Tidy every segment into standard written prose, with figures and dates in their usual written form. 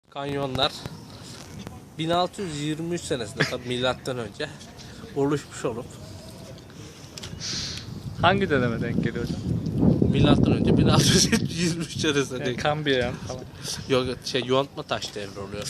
Kanyonlar 1623 senesinde tabi milattan önce oluşmuş olup Hangi döneme denk geliyor hocam? milattan önce 1623 senesinde Yani denk. Kambriyen falan. Yok yontma taş devri oluyor.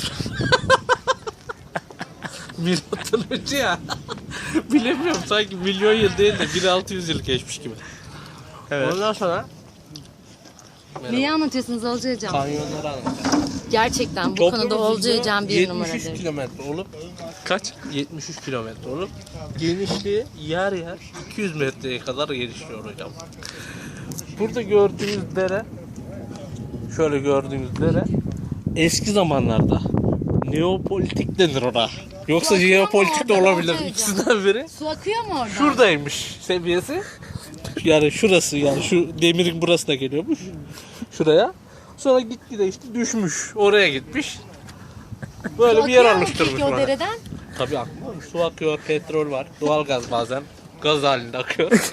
Milattan önce ya. Bilemiyorum, sanki milyon yıl değil de 1600 yıl geçmiş gibi. Evet. Ondan sonra Neyi anlatıyorsunuz Olcay Hocam? kanyonları anlatacağım. Gerçekten bu Toplam konuda Olcay uzunluğu Hocam bir 73 numaradır. kilometre olup Kaç? 73 kilometre olup genişliği yer yer 200 metreye kadar gelişiyor hocam. Burada gördüğünüz dere, şöyle gördüğünüz dere eski zamanlarda neopolitik denir ona. Yoksa Su akıyor mu jeopolitik de orada olabilir, Olcay ikisinden biri. Su akıyor mu orada? Şuradaymış seviyesi. Yani şurası, yani şu demirin burası da geliyormuş. Şuraya. Sonra gitgide işte düşmüş. Oraya gitmiş. Böyle Su bir yer akıyor mu oluşturmuş peki o bana. dereden? Tabii akıyor. Su akıyor, petrol var, doğalgaz bazen. Gaz halinde akıyor.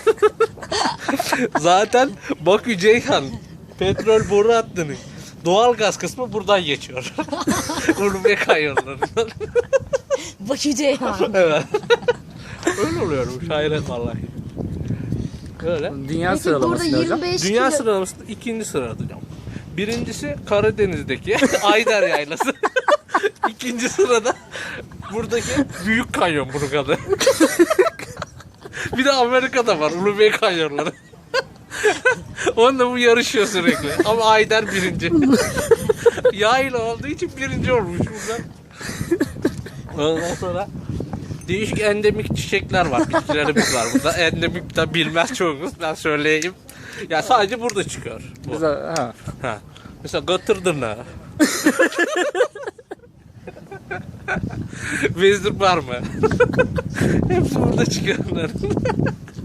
Zaten Bakü Ceyhan petrol boru hattının doğalgaz kısmı buradan geçiyor. Ulubey kanyonlarından. Bakü Ceyhan. Evet. Öyle oluyormuş. Hayret vallahi. Öyle. Dünya Peki burada sıralaması ne hocam? 25 Dünya kilo... sıralamasında ikinci sırada hocam. Birincisi Karadeniz'deki Ayder Yaylası. İkinci sırada buradaki Büyük Kanyon bunun adı. Bir de Amerika'da var Ulubey Kanyonları. Onunla bu yarışıyor sürekli. Ama Ayder birinci. Yayla olduğu için birinci olmuş burada. Ondan sonra değişik endemik çiçekler var, bitkilerimiz var burada. Endemik de bilmez çoğumuz, ben söyleyeyim. Ya sadece burada çıkıyor. Bu. Güzel. Ha. Ha. Mesela Gatırdırnağı. Vezir var mı? Hepsi burada çıkıyor onların.